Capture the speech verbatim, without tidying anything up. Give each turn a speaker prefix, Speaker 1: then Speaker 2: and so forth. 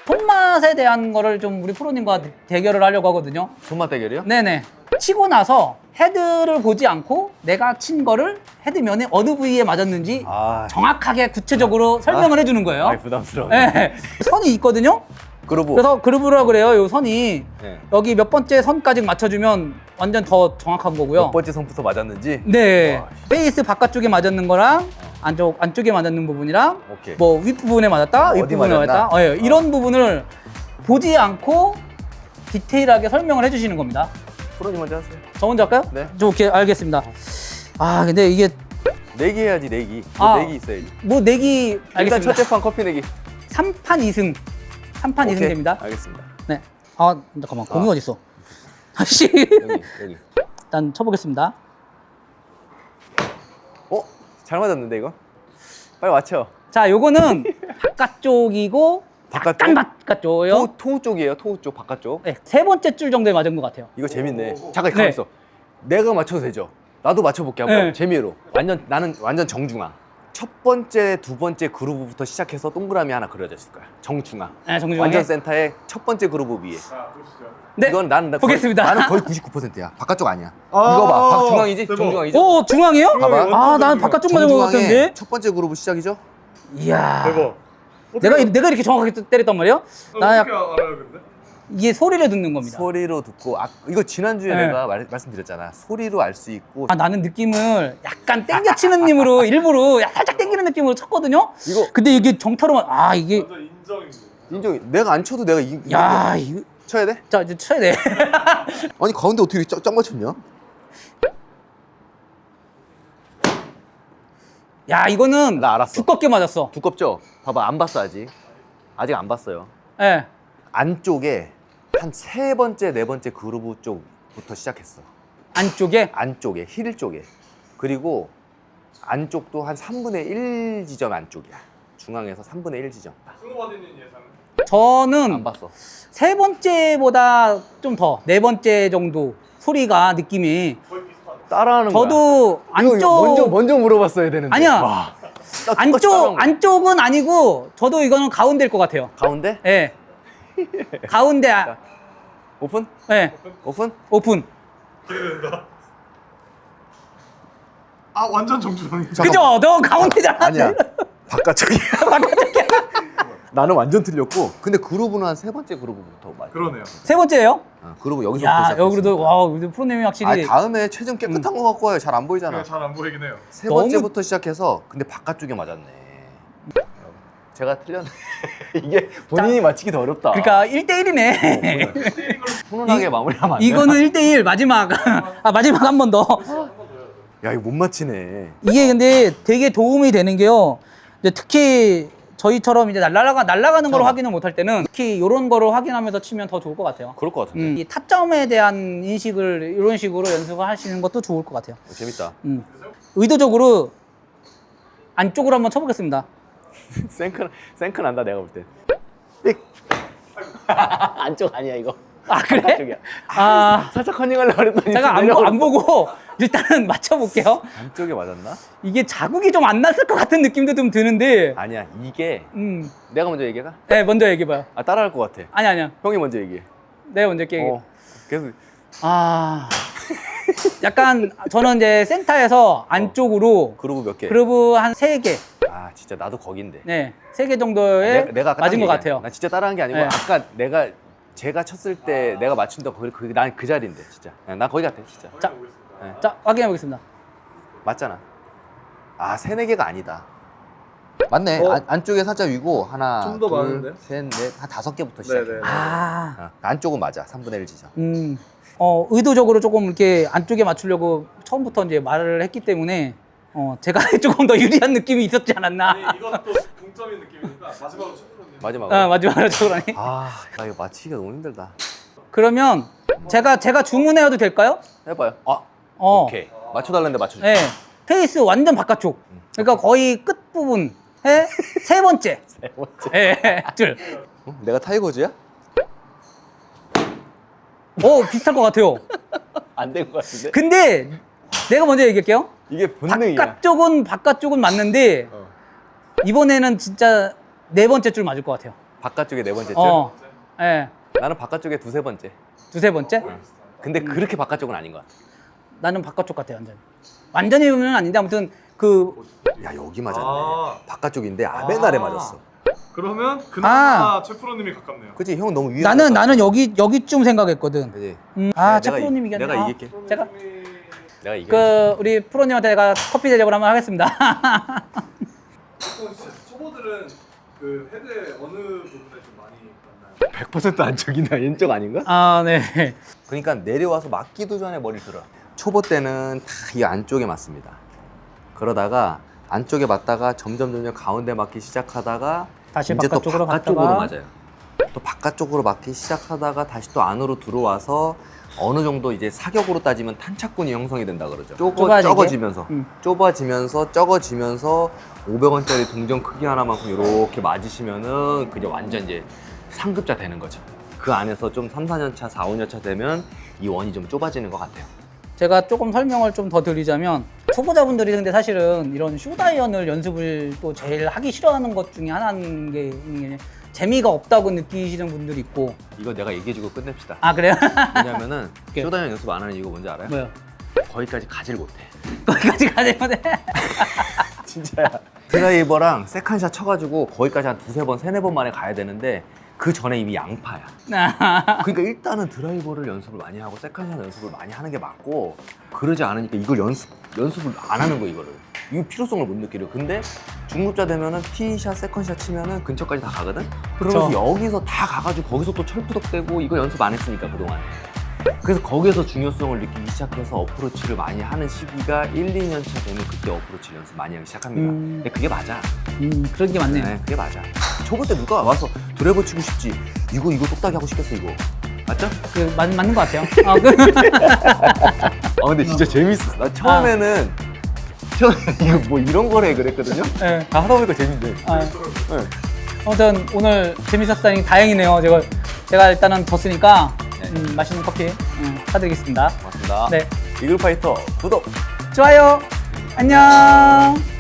Speaker 1: 손맛에 대한 거를 좀 우리 프로님과 대결을 하려고 하거든요.
Speaker 2: 손맛 대결이요?
Speaker 1: 네네. 치고 나서 헤드를 보지 않고 내가 친 거를 헤드면에 어느 부위에 맞았는지
Speaker 2: 아,
Speaker 1: 정확하게 구체적으로 설명을 해주는 거예요.
Speaker 2: 아, 부담스러워.
Speaker 1: 네. 선이 있거든요.
Speaker 2: 그러고
Speaker 1: 그래서 그루브라 그래요. 요 선이
Speaker 2: 네.
Speaker 1: 여기 몇 번째 선까지 맞춰주면 완전 더 정확한 거고요.
Speaker 2: 몇 번째 선부터 맞았는지.
Speaker 1: 네.
Speaker 2: 와,
Speaker 1: 페이스 바깥쪽에 맞았는 거랑 안쪽 안쪽에 맞았는 부분이랑
Speaker 2: 오케이.
Speaker 1: 뭐 윗부분에 맞았다,
Speaker 2: 어디
Speaker 1: 윗부분에
Speaker 2: 맞았나?
Speaker 1: 맞았다. 어, 예. 이런 부분을 보지 않고 디테일하게 설명을 해주시는 겁니다.
Speaker 2: 프로님 먼저 하세요.
Speaker 1: 저 먼저 할까요?
Speaker 2: 네.
Speaker 1: 저 오케이 알겠습니다. 아 근데 이게
Speaker 2: 내기 해야지 내기.
Speaker 1: 아.
Speaker 2: 뭐 내기 있어야지.
Speaker 1: 뭐 내기
Speaker 2: 일단
Speaker 1: 알겠습니다.
Speaker 2: 첫째 판 커피 내기.
Speaker 1: 삼 판 이 승. 삼 판 이 승
Speaker 2: 오케이.
Speaker 1: 됩니다.
Speaker 2: 알겠습니다.
Speaker 1: 네. 아 잠깐만 공이
Speaker 2: 아.
Speaker 1: 어디 있어? 다시
Speaker 2: 여기 여기.
Speaker 1: 일단 쳐보겠습니다.
Speaker 2: 어? 잘 맞았는데 이거? 빨리 맞춰.
Speaker 1: 자 요거는 바깥쪽이고
Speaker 2: 바깥쪽?
Speaker 1: 약간 바깥쪽이요.
Speaker 2: 토, 토우 쪽이에요. 토우 쪽 바깥쪽.
Speaker 1: 네, 세 번째 줄 정도에 맞은 것 같아요.
Speaker 2: 이거 재밌네. 잠깐 가만
Speaker 1: 네.
Speaker 2: 있어. 내가 맞춰도 되죠. 나도 맞춰볼게 한번.
Speaker 1: 네.
Speaker 2: 재미로. 완전 나는 완전 정중앙. 첫 번째, 두 번째 그루브부터 시작해서 동그라미 하나 그려져 있을 거야. 정중앙.
Speaker 1: 네, 정중앙에.
Speaker 2: 완전 센터에 첫 번째 그루브 위에.
Speaker 1: 네.
Speaker 2: 이건 나는 나
Speaker 1: 보겠습니다.
Speaker 2: 거의, 나는 거의 구십구 퍼센트야. 바깥쪽 아니야.
Speaker 3: 아,
Speaker 2: 이거 봐. 박 중앙이지?
Speaker 3: 대박.
Speaker 2: 정중앙이지?
Speaker 1: 오 중앙이요?
Speaker 2: 봐봐.
Speaker 1: 아, 난 바깥쪽 맞은 것
Speaker 2: 정중앙에
Speaker 1: 같은데.
Speaker 2: 첫 번째 그루브 시작이죠?
Speaker 1: 이야.
Speaker 3: 대박.
Speaker 1: 내가 내가 이렇게 정확하게 때렸단 말이에요? 나
Speaker 3: 어떻게
Speaker 1: 약,
Speaker 3: 알아요, 근데?
Speaker 1: 이게 소리를 듣는 겁니다.
Speaker 2: 소리로 듣고 아 이거 지난주에
Speaker 1: 네.
Speaker 2: 내가 말, 말씀드렸잖아. 소리로 알 수 있고
Speaker 1: 아 나는 느낌을 약간 땡겨치는 님으로 일부러 살짝 땡기는 느낌으로 쳤거든요.
Speaker 2: 이거
Speaker 1: 근데 이게 정타로만 아 이게
Speaker 3: 완전 인정인데.
Speaker 2: 인정. 내가 안 쳐도 내가 이,
Speaker 1: 야
Speaker 2: 이거
Speaker 1: 이거
Speaker 2: 쳐야 돼?
Speaker 1: 자 이제 쳐야 돼.
Speaker 2: 아니 가운데 어떻게 쫙, 쫙 맞췄냐?
Speaker 1: 야 이거는
Speaker 2: 나 알았어.
Speaker 1: 두껍게 맞았어.
Speaker 2: 두껍죠? 봐봐 안 봤어 아직. 아직 안 봤어요.
Speaker 1: 예. 네.
Speaker 2: 안쪽에 한 세 번째 네 번째 그루브 쪽부터 시작했어.
Speaker 1: 안쪽에
Speaker 2: 안쪽에 힐 쪽에. 그리고 안쪽도 한 삼분의 일 지점 안쪽이야. 중앙에서 삼분의 일 지점.
Speaker 3: 승호바디님 예상은?
Speaker 1: 저는
Speaker 2: 안 봤어.
Speaker 1: 세 번째보다 좀 더 네 번째 정도 소리가 느낌이
Speaker 3: 거의 비슷하네.
Speaker 2: 따라하는 거야.
Speaker 1: 저도
Speaker 2: 이거
Speaker 1: 안쪽
Speaker 2: 먼저 먼저 물어봤어야 되는데.
Speaker 1: 아니야.
Speaker 2: 와, 나 똑같이 따라한
Speaker 1: 안쪽
Speaker 2: 거야.
Speaker 1: 안쪽은 아니고 저도 이거는 가운데일 것 같아요.
Speaker 2: 가운데?
Speaker 1: 예. 가운데 아,
Speaker 2: 오픈?
Speaker 1: 예.
Speaker 2: 오픈?
Speaker 1: 오픈.
Speaker 3: 기대된다. 아, 완전 정중앙이.
Speaker 1: 그죠? 너 가운데잖아.
Speaker 2: 아니야. 바깥쪽이야. 바깥쪽이야. 나는 완전 틀렸고. 근데 그루브는 한 세 번째 그루브부터 맞아.
Speaker 3: 그러네요.
Speaker 1: 세 번째예요?
Speaker 2: 어, 그루브 여기서부터
Speaker 1: 야,
Speaker 2: 시작했어.
Speaker 1: 여기도 와, 우리 프로님이 확실히
Speaker 2: 아, 다음에 최종 깨끗한 거 갖고 와요. 잘 안 보이잖아.
Speaker 3: 잘 안 보이긴 해요.
Speaker 2: 세
Speaker 1: 너무-
Speaker 2: 번째부터 시작해서 근데 바깥쪽에 맞았네. 제가 틀렸네. 이게 본인이 맞히기 더 어렵다.
Speaker 1: 그러니까 일 대 일이네.
Speaker 2: 훈훈하게
Speaker 1: 이-
Speaker 2: 마무리하면 안 돼.
Speaker 1: 이거는 일 대 일 마지막. 아, 마지막 한 번 더.
Speaker 2: 야 이거 못 맞히네.
Speaker 1: 이게 근데 되게 도움이 되는 게요. 이제 특히 저희처럼 이제 날라가 날아가는 걸
Speaker 2: 잠깐만.
Speaker 1: 확인을 못할 때는 특히 이런 거를 확인하면서 치면 더 좋을 것 같아요.
Speaker 2: 그럴 것 같은데.
Speaker 1: 음, 이 타점에 대한 인식을 이런 식으로 연습을 하시는 것도 좋을 것 같아요.
Speaker 2: 어, 재밌다.
Speaker 1: 음. 의도적으로 안쪽으로 한번 쳐보겠습니다.
Speaker 2: 생크 생크 난다 내가 볼 때. 삑. 안쪽 아니야 이거.
Speaker 1: 아 그래?
Speaker 2: 바깥쪽이야.
Speaker 1: 아
Speaker 2: 살짝 커닝하려고 그랬더니
Speaker 1: 제가 안, 보,
Speaker 2: 내려버렸어.
Speaker 1: 안 보고 일단은 맞춰볼게요.
Speaker 2: 안쪽에 맞았나?
Speaker 1: 이게 자국이 좀 안 났을 것 같은 느낌도 좀 드는데.
Speaker 2: 아니야 이게
Speaker 1: 음,
Speaker 2: 내가 먼저 얘기해가?
Speaker 1: 네 먼저 얘기해봐요.
Speaker 2: 아 따라할 것 같아.
Speaker 1: 아니 아니야.
Speaker 2: 형이 먼저 얘기해.
Speaker 1: 내가 먼저 얘기해.
Speaker 2: 어. 계속
Speaker 1: 아 약간 저는 이제 센터에서 안쪽으로
Speaker 2: 그루브 몇 개?
Speaker 1: 그루브 한 세 개,
Speaker 2: 아 진짜 나도 거긴데.
Speaker 1: 네, 세 개 정도에
Speaker 2: 내, 내가 아까
Speaker 1: 맞은
Speaker 2: 딱
Speaker 1: 것
Speaker 2: 얘기해.
Speaker 1: 같아요.
Speaker 2: 나 진짜 따라한 게 아니고
Speaker 1: 네.
Speaker 2: 아까 내가 제가 쳤을 때 내가 맞춘다 거기 그, 난 그 자리인데 진짜. 야, 나 거기 같아 진짜.
Speaker 1: 자,
Speaker 2: 네.
Speaker 1: 자 확인해 보겠습니다.
Speaker 2: 맞잖아. 아 세네 개가 아니다. 맞네.
Speaker 3: 어?
Speaker 2: 안, 안쪽에 살짝 위고 하나,
Speaker 3: 좀더
Speaker 2: 둘,
Speaker 3: 많은데요?
Speaker 2: 셋, 넷, 한 다섯 개부터 시작해.
Speaker 3: 네네.
Speaker 1: 아,
Speaker 2: 어, 안쪽은 맞아. 삼분의 일 지점.
Speaker 1: 음, 어 의도적으로 조금 이렇게 안쪽에 맞추려고 처음부터 이제 말을 했기 때문에 어 제가 조금 더 유리한 느낌이 있었지 않았나.
Speaker 3: 아니, 이것도 동점인 느낌이니까 마지막으로 슈퍼님.
Speaker 2: 마지막.
Speaker 1: 아 마지막으로 그러니.
Speaker 2: 아, 나 이거 맞히기가 너무 힘들다.
Speaker 1: 그러면 제가 제가 주문해도 될까요?
Speaker 2: 해봐요. 아,
Speaker 1: 어,
Speaker 2: 오케이. 맞춰달라는데 맞춰줄게.
Speaker 1: 네, 페이스 완전 바깥쪽. 그러니까 거의 끝 부분에 세 번째.
Speaker 2: 네 번째.
Speaker 1: 예, 줄.
Speaker 2: 어? 내가 타이거즈야?
Speaker 1: 오, 비슷할 것 같아요.
Speaker 2: 안 된 것 같은데?
Speaker 1: 근데 내가 먼저 얘기할게요.
Speaker 2: 이게 본능이야.
Speaker 1: 바깥쪽은 바깥쪽은 맞는데
Speaker 2: 어.
Speaker 1: 이번에는 진짜 네 번째 줄 맞을 것 같아요.
Speaker 2: 바깥쪽에 네 번째쯤?
Speaker 1: 어, 예,
Speaker 2: 나는 바깥쪽에 두세 번째.
Speaker 1: 두세 번째.
Speaker 2: 근데 그렇게 바깥쪽은 아닌 것 같아.
Speaker 1: 나는 바깥쪽 같아 완전. 완전히는 아닌데 아무튼 그
Speaker 2: 야 여기 맞았네.
Speaker 3: 아.
Speaker 2: 바깥쪽인데 아베날에 맞았어.
Speaker 3: 그러면 그나마
Speaker 1: 아.
Speaker 3: 최 프로님이 가깝네요.
Speaker 2: 그치 형 너무 위에.
Speaker 1: 나는 나는 여기 여기쯤 생각했거든.
Speaker 2: 그치.
Speaker 1: 음, 아,
Speaker 2: 내가
Speaker 1: 최
Speaker 2: 이-
Speaker 1: 프로님 이겼네.
Speaker 2: 내가
Speaker 1: 아,
Speaker 2: 이길게.
Speaker 1: 제가
Speaker 2: 내가 이겨.
Speaker 1: 그 우리 프로님한테 제가 커피 대접을 한번 하겠습니다.
Speaker 3: 보통 진짜 초보들은 그 헤드의 어느 부분에 좀 많이 만나요?
Speaker 2: 백 퍼센트 안쪽이나 왼쪽 아닌가?
Speaker 1: 아, 네.
Speaker 2: 그러니까 내려와서 맞기도 전에 머리를 들어. 초보 때는 다 이 안쪽에 맞습니다. 그러다가 안쪽에 맞다가 점점 점점 가운데 맞기 시작하다가
Speaker 1: 다시
Speaker 2: 이제 또
Speaker 1: 바깥쪽으로
Speaker 2: 바깥쪽으로
Speaker 1: 갔다가.
Speaker 2: 맞아요. 또 바깥쪽으로 맞기 시작하다가 다시 또 안으로 들어와서 어느 정도 이제 사격으로 따지면 탄착군이 형성이 된다 그러죠. 좁아,
Speaker 1: 좁아지게?
Speaker 2: 적어지면서
Speaker 1: 음.
Speaker 2: 좁아지면서 적어지면서 오백 원짜리 동전 크기 하나만큼 이렇게 맞으시면은 그게 완전 이제 상급자 되는 거죠. 그 안에서 좀 삼, 사 년 차, 사, 오 년 차 되면 이 원이 좀 좁아지는 것 같아요.
Speaker 1: 제가 조금 설명을 좀 더 드리자면 초보자분들이 근데 사실은 이런 숏아이언을 연습을 또 제일 하기 싫어하는 것 중에 하나인 게 이게 재미가 없다고 느끼시는 분들이 있고.
Speaker 2: 이거 내가 얘기해주고 끝냅시다.
Speaker 1: 아, 그래요?
Speaker 2: 왜냐면은
Speaker 1: 오케이.
Speaker 2: 쇼다이언 연습 안 하는 이유가 뭔지 알아요?
Speaker 1: 뭐요?
Speaker 2: 거기까지 가질 못해.
Speaker 1: 거기까지 가야 돼.
Speaker 2: 진짜야. 드라이버랑 세컨샷 쳐가지고 거기까지 한 두세 번, 세네 번 만에 가야 되는데 그 전에 이미 양파야. 그러니까 일단은 드라이버를 연습을 많이 하고 세컨샷 연습을 많이 하는 게 맞고 그러지 않으니까 이걸 연습, 연습을 안 하는 거 이거를. 이 필요성을 못 느끼려. 근데 중급자 되면은 티샷, 세컨샷 치면은 근처까지 다 가거든? 그러면서
Speaker 1: 그쵸.
Speaker 2: 여기서 다 가가지고 거기서 또 철푸덕대고 이거 연습 안 했으니까 그동안. 그래서 거기에서 중요성을 느끼기 시작해서 어프로치를 많이 하는 시기가 일, 이 년 차 되면 그때 어프로치 연습 많이 하기 시작합니다.
Speaker 1: 음.
Speaker 2: 근데 그게 맞아.
Speaker 1: 음, 그런 게 맞네요.
Speaker 2: 네, 그게 맞아. 초보 때 누가 와서 드라이버 치고 싶지? 이거 이거 똑딱이 하고 싶겠어 이거. 맞죠?
Speaker 1: 그, 맞, 맞는 것 같아요. 아, 그,
Speaker 2: 아 근데 진짜 재밌었어. 나 처음에는 처음에 이거 뭐 이런 거래 그랬거든요.
Speaker 1: 네.
Speaker 2: 아, 하다 보니까 재밌네.
Speaker 1: 아,
Speaker 2: 네.
Speaker 1: 아무튼 오늘 재밌었다니 다행이네요. 제가, 제가 일단은 졌으니까
Speaker 2: 네.
Speaker 1: 음, 맛있는 커피 음, 사드리겠습니다.
Speaker 2: 고맙습니다.
Speaker 1: 네.
Speaker 2: 이글파이터 구독.
Speaker 1: 좋아요. 안녕.